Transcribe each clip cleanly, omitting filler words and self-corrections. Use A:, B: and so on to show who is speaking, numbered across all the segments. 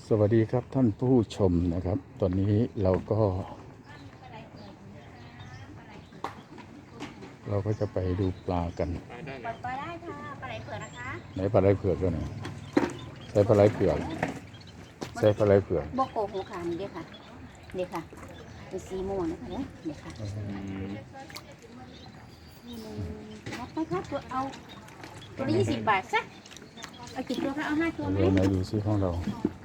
A: สวัสดีครับท่านผู้ชมนะครับ ตอนนี้เราก็จะไปดูปลากัน
B: ปลาได้ค่ะปลาไหลเผือกนะคะ
A: ไหนปลาไหลเผือกก็ไหนใส่ปลาไหลเผือกใส่ปลาไหลเผือก
B: โบโกหูขานี่เด้อค่ะเด้อค่ะเป็นสีม่วงนะคะเนี่ยเด้อค่ะรับไปครับตัวเอาตัวละ20 บาทซะเอากี่ตัวคะเอา5 ตัวไหม
A: เดี๋ยวไหนดูซิของเรา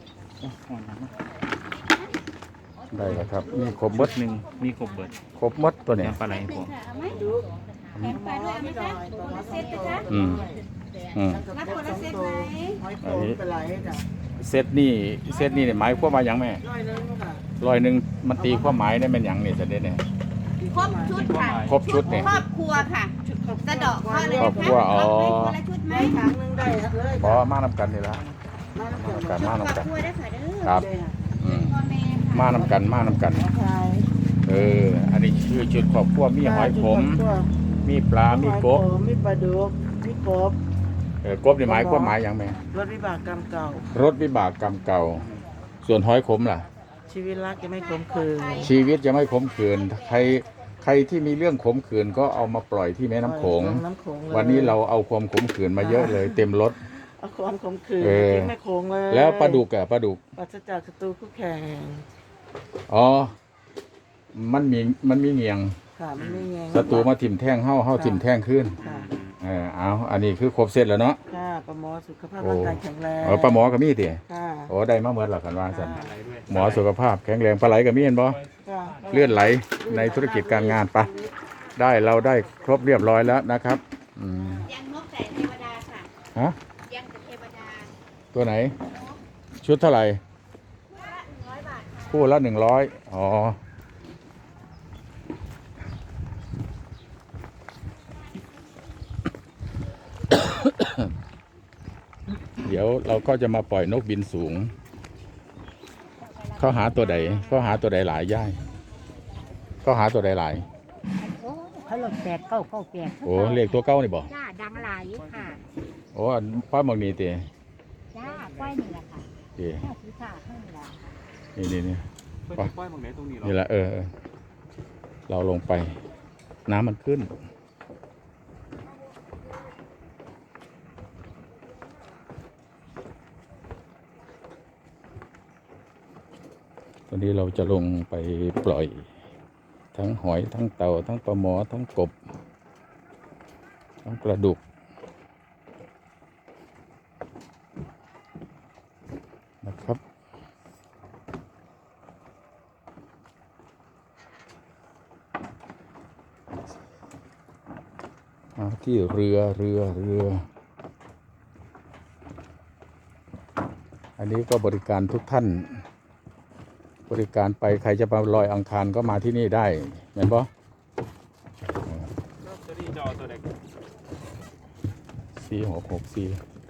A: ได้แล้วครับนี่ครบหมด
C: หนึ่งมีกบเบิด
A: ครบหมดตัวเนี้
C: น้ำปลาไหลผม
B: ค่ะเอาไหมแถมปลาด้วยเอาไหมคะคนละเซตนะคะ
A: อืม
B: รับคนละเซตไหม
A: อันนี้เซตนี่เนี่ยหมายความว่าหยังแม่100มันตีความหมายได้เป็นหยังนี่จะได้เนี่ย
B: ครบชุดค่ะ
A: ครบชุดเนี่ย
B: ครอบครัวค่ะสะเดาะข้อเลย
A: ครอบครัวอ๋อ
B: คนละชุดไหม
D: ถังนึงได้เลย
A: พอมานำกันนี่ละมานำกัน
B: ครอบครัวได้ค่ะเด้อ
A: ครับอืม
B: พ่อแม่ค่ะ
A: มานำกัน
D: ใช่
A: อันนี้คือจุดครอบครัวมีหอยขมมีปลา มีกบ
D: มีปลาดุกมีกบ
A: กบนี่หมายความหมายอย่างแม่
D: รถวิบากกรรมเก่าร
A: ถวิบากกรรมเก่า ส่วนหอยขมล่ะ
D: ชีวิตรักจะไม่ขมขื่น
A: ชีวิตจะไม่ขมขื่นใครที่มีเรื่องขมขื่นก็เอามาปล่อยที่แม่น้ำโขง
D: น้ำโขงเลย
A: วันนี้เราเอาความขมขื่นมาเยอะเลย เต็มรถ
D: เอาความขมขื่น
A: เออ
D: ที่แม่โขงเลย
A: แล้วปลาดุกอะปลาดุก
D: ปราศจากศัตรูคู่แข่ง
A: อ๋อมันมีเงียง
D: ค่ะมันไม่แยง
A: ศัตรูมาถิ่มแท่งเฮ้าถิ่มแท่งขึ้น
D: ค่ะ
A: อันนี้คือครบเสร็จแล้วเนาะ
D: ค่ะปลาหมอสุขภาพร่างกายแข็งแรง
A: ปลาหมอก็มีติ
D: ค่ะ
A: โอ้ได้มาเมื่อหลักกันว่าสัน
C: ปลาไหลด้วย
A: หมอสุขภาพแข็งแรงปลาไหลก็มีเห็นบ่
D: ค่ะ
A: เลื่อนไหลในธุรกิจการงานปะเราได้ครบเรียบร้อยแล้วนะครับ
B: ยังนกแต่เทวดาค่ะ
A: ฮะ
B: ยังแต่เทวดา
A: ตัวไหน ชุดเท่าไหร่
B: 100 บาทค่ะ
A: คู่ละ100อ๋อ เดี๋ยวเราก็จะมาปล่อยนกบินสูง เขาหาตัวใดหลายย่ายเขาหาตัวใดหลาย
B: โอ้เขาหลบแปดเก้าแปด
A: โอ้เรียกตัวเก้านี่บ่
B: จ้าดังหลายค่ะ
A: โอ้ป้าหมองนี่ตี
B: จ้าก้อยนี่แหละค่ะ
A: ตี
B: แค่ศีรษะเท่านี้แหละ
A: นี่
C: เพื่อนจะปล่อยตรงไหนตรงนี้เหรอ
A: นี่แหละเราลงไป น้ำมันขึ้น ตอนนี้เราจะลงไปปล่อย ทั้งหอยทั้งเต่าทั้งปลาหมอทั้งกบ ทั้งปลาดุกนะครับมาที่เรืออันนี้ก็บริการทุกท่าน บริการไปใครจะมาลอยอังคารก็มาที่นี่ได้เห็นปะ
C: ตัวนี้จะเอาตัวไหน
A: 4664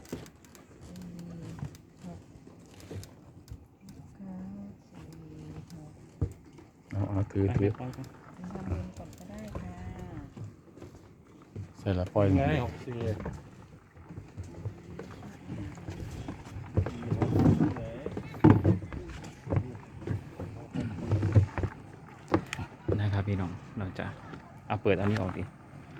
A: เอาถือ
C: ปล่อยกัน
A: ใส่ละปล่อย
C: ไง64นะครับพี่น้องเราจะเอาเปิดอันนี้ออกดิ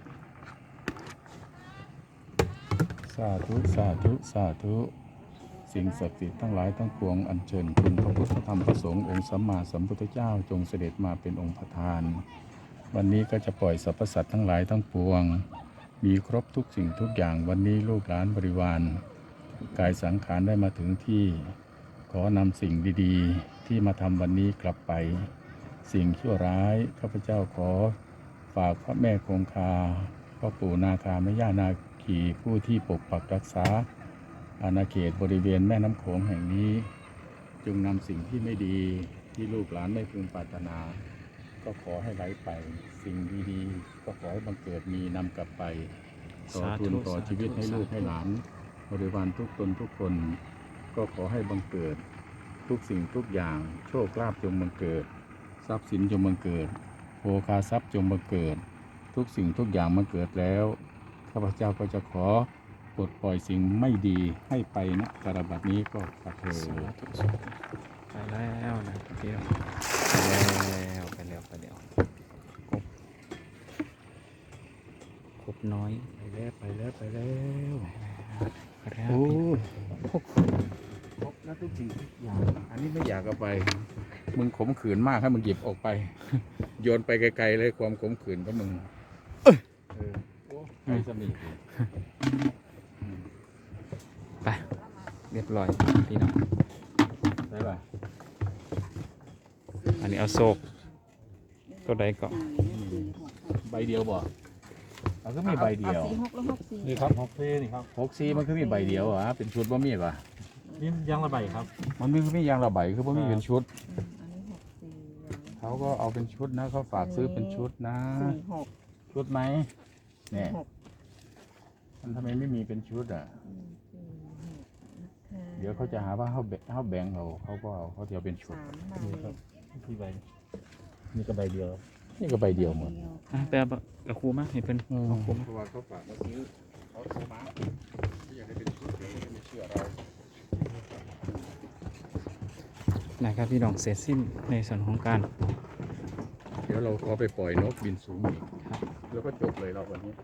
A: สาธุสิ่งศักดิ์สิทธิ์ทั้งหลายทั้งปวงอัญเชิญคุณพระพุทธธรรมพระสงฆ์องค์สัมมาสัมพุทธเจ้าจงเสด็จมาเป็นองค์ประธาน วันนี้ก็จะปล่อยสรรพสัตว์ทั้งหลายทั้งปวง มีครบทุกสิ่งทุกอย่างวันนี้ลูกหลานบริวารกายสังขารได้มาถึงที่ขอนำสิ่งดีๆที่มาทำวันนี้กลับไป สิ่งชั่วร้ายข้าพเจ้าขอฝากพระแม่คงคาพ่อปู่นาคาแม่ย่านาคีผู้ที่ปกปักรักษาอาณาเขตบริเวณแม่น้ำโขงแห่งนี้จงนำสิ่งที่ไม่ดีที่ลูกหลานไม่พึงปรารถนา ก็ขอให้ไหลไปสิ่งดีๆก็ขอให้บังเกิดมีนำกลับไปต่อทุนต่อชีวิตให้ลูกให้หลานบริวารทุกตนทุกคนก็ขอให้บังเกิดทุกสิ่งทุกอย่างโชคลาภจงบังเกิดทรัพย์สินจงบังเกิดโภคาทรัพย์จงบังเกิดทุกสิ่งทุกอย่างบังเกิดแล้วข้าพเจ้าก็จะขอปลดปล่อยสิ่งไม่ดีให้ไปณการบัดนี้ก็ขอเธอ
C: สาธุสาธุไปแล้วนะครับพี่น้องไปแล้วครบน้อย
A: ไปแล้ว
C: ครับ
A: โอ้ครบแล้วทุกสิ่งทุกอย่างอันนี้ไม่อยากเอาไป มึงขมขืนมากให้มึงหยิบออกไป โยนไปไกลๆเลยความขมขืนก็มึงโอ้ไกลสมิง
C: ไปเรียบร้อยพี่น้อง
A: ได้ป่ะ
C: อันนี้เอาโศกตัวใดก่อน
A: ใบเดียวบ่เราก็มีใบเดียว
B: อา4 6แล้ว6 4
E: นี่ครับฮอกเฟ่นี่ครับ
A: 64มันคือมีใบเดียวเหรอเป็นชุดบ่มีป่ะ
E: นี่ยางระบายครับ
A: มันมียางระบายคือบ่มีเป็นชุด
B: อันนี้6 4
A: เขาก็เอาเป็นชุดนะเขาฝากซื้อเป็นชุดนะ
B: 4 6
A: ชุดไหมเนี่ย
B: 6
A: มันทำไมไม่มีเป็นชุดอ่ะ เดี๋ยวเขาจะหาว่าเขาแบ่งเขาก็เอาเขาจะเอาเป็นชุด
B: 3
E: นี่ครับที่ใบนี่ก็ใบเดียว
A: นี่ก็ใบเดียวหมด
C: อ่ะไปเอากับครูมาให้เพิ่นเอาครูมา
A: เพราะว่าเขาฝากมาซื้อเขาโทรมาที่อยากได้เป็นชุดเดี๋ยวเขาไม่เชื่อเรา
C: นะครับพี่น้องเสร็จสิ้นในส่วนของการ
A: เดี๋ยวเราขอไปปล่อยนกบินสูงอีก
C: ครับ
A: แล้วก็จบเลยเราวันนี้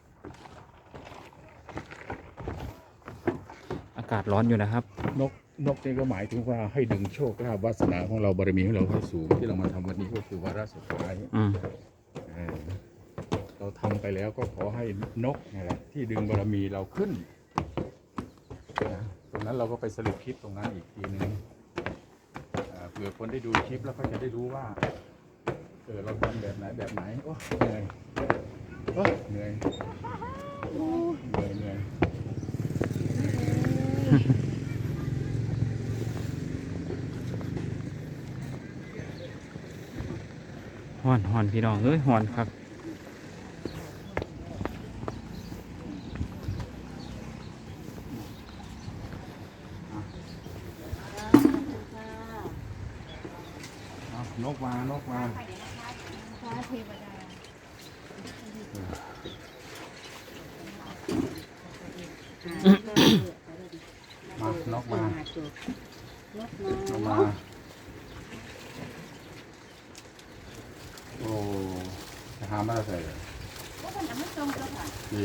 C: อากาศร้อนอยู่นะครับ
A: นกนี่ก็หมายถึงว่าให้ดึงโชคลาภวาสนาของเราบารมีของเราให้สูงที่เรามาทำวันนี้ก็คือวาระสุดท้าย
C: อืม
A: เราทำไปแล้วก็ขอให้นกนี่แหละที่ดึงบารมีเราขึ้นนะตรงนั้นเราก็ไปสรุปคลิปตรงนั้นอีกทีนึงเผื่อคนได้ดูคลิปแล้วก็จะได้รู้ว่าเราทำแบบไหนโอ้เหนื่อยโอ้เหนื่อยเหนื่อย
C: ฮ้อนพี่น้องเอ้ยฮ้อนครับ
A: นกมา
B: พระเทวดา
A: นกมา
B: นกมา
A: โอ้จะหามาใส่เลย
B: ก็เป็นอันไม่ตรงเจ้าค่ะ
A: นี่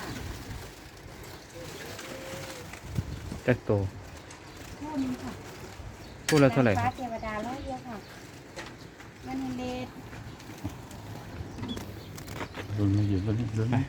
C: จักโต
B: คู่นึงค่ะ
C: พูดแล้วเท่าไหร่
B: พระเทวดาร้อยเดียวค่ะมันเดช
A: ดูมาอยู่ตรงนี้ดูนะ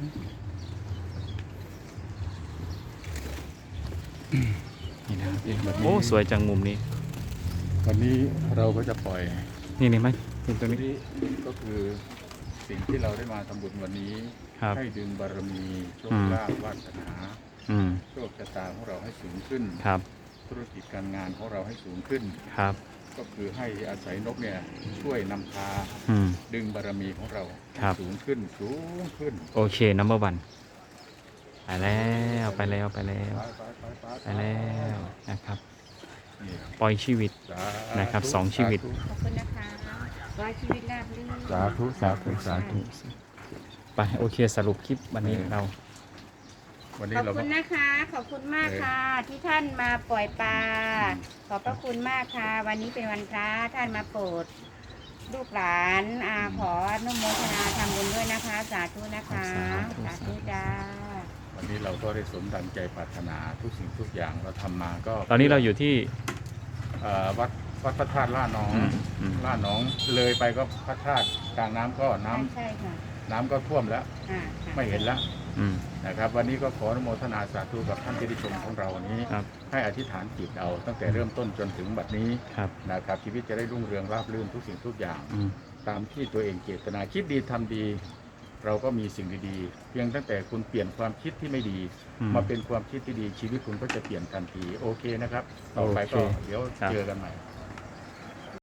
C: นี่นะครับพี่น้องโอ้สวยจังมุมนี้
A: วันนี้เราก็จะปล่อย
C: นี่ไหมเป็นตัว
A: วัน
C: นี้
A: นี้ก็คือสิ่งที่เราได้มาทำบุญวันนี้
C: ครับ
A: ให้ดึงบารมีโชคลาภวาสนา
C: อืม
A: โชคชะตาของเราให้สูงขึ้น
C: ครับ
A: ธุรกิจการงานของเราให้สูงขึ้น
C: ครับ
A: ก็คือให้อาศัยนกเนี่ยช่วยนำพา
C: อืม
A: ดึงบารมีของเรา
C: ครับ
A: สูงขึ้นสูงขึ้น
C: โอเคnumber 1ไปแล้วไปแล้ว
A: ไป
C: ไปแล้วนะครับ
A: นี่
C: ปล่อยชีวิต
A: สาธุ
C: นะครับสองชีวิต
A: สาธุ
B: ขอบคุณนะคะร้อยชีวิตราบรื่น
A: สาธุสาธุสาธุ
C: ไปโอเคสรุปคลิปวันนี้เรา
A: วัน
B: ข
A: นี้
B: อบ
A: เรา
B: คุณนะคะ ขอบคุณมากค่ะ ที่ท่านมาปล่อยปลา ขอบพระคุณมากค่ะ วันนี้เป็นวันพระท่านมาโปรดลูกหลานขออนุโมทนาทำบุญด้วยนะคะ สาธุนะคะ สาธุจ้า
A: วันนี้เราก็ได้สมดังใจปรารถนาทุกสิ่งทุกอย่างเราทำมาก็
C: ตอนนี้เราอยู่ที่
A: วัดพระธาตุล่าน้อง
C: อืม
A: ล่าน้องเลยไปก็พระธาตุกลางน้ำก็น้ำ
B: ใช่ค่ะ
A: น้ำก็ท่วมแล้ว
B: ค่ะค่ะ
A: ไม่เห็นแล้ว
C: อืม
A: นะครับ วันนี้ก็ขออนุโมทนาสาธุกับท่านที่ได้ชมของเราวันนี้
C: ครับ
A: ให้อธิษฐานจิตเอาตั้งแต่เริ่มต้นจนถึงบัดนี้
C: ครับ
A: นะครับชีวิตจะได้รุ่งเรืองราบรื่นทุกสิ่งทุกอย่าง
C: อืม
A: ตามที่ตัวเองเจตนาคิดดีทำดี เราก็มีสิ่งดีๆ เพียงตั้งแต่คุณเปลี่ยนความคิดที่ไม่ดี
C: อืม
A: มาเป็นความคิดที่ดีชีวิตคุณก็จะเปลี่ยนทันทีโอเคนะครับ ต่อไปก็
C: โอเค
A: เดี๋ยว
C: ครับ
A: เจอกันใหม่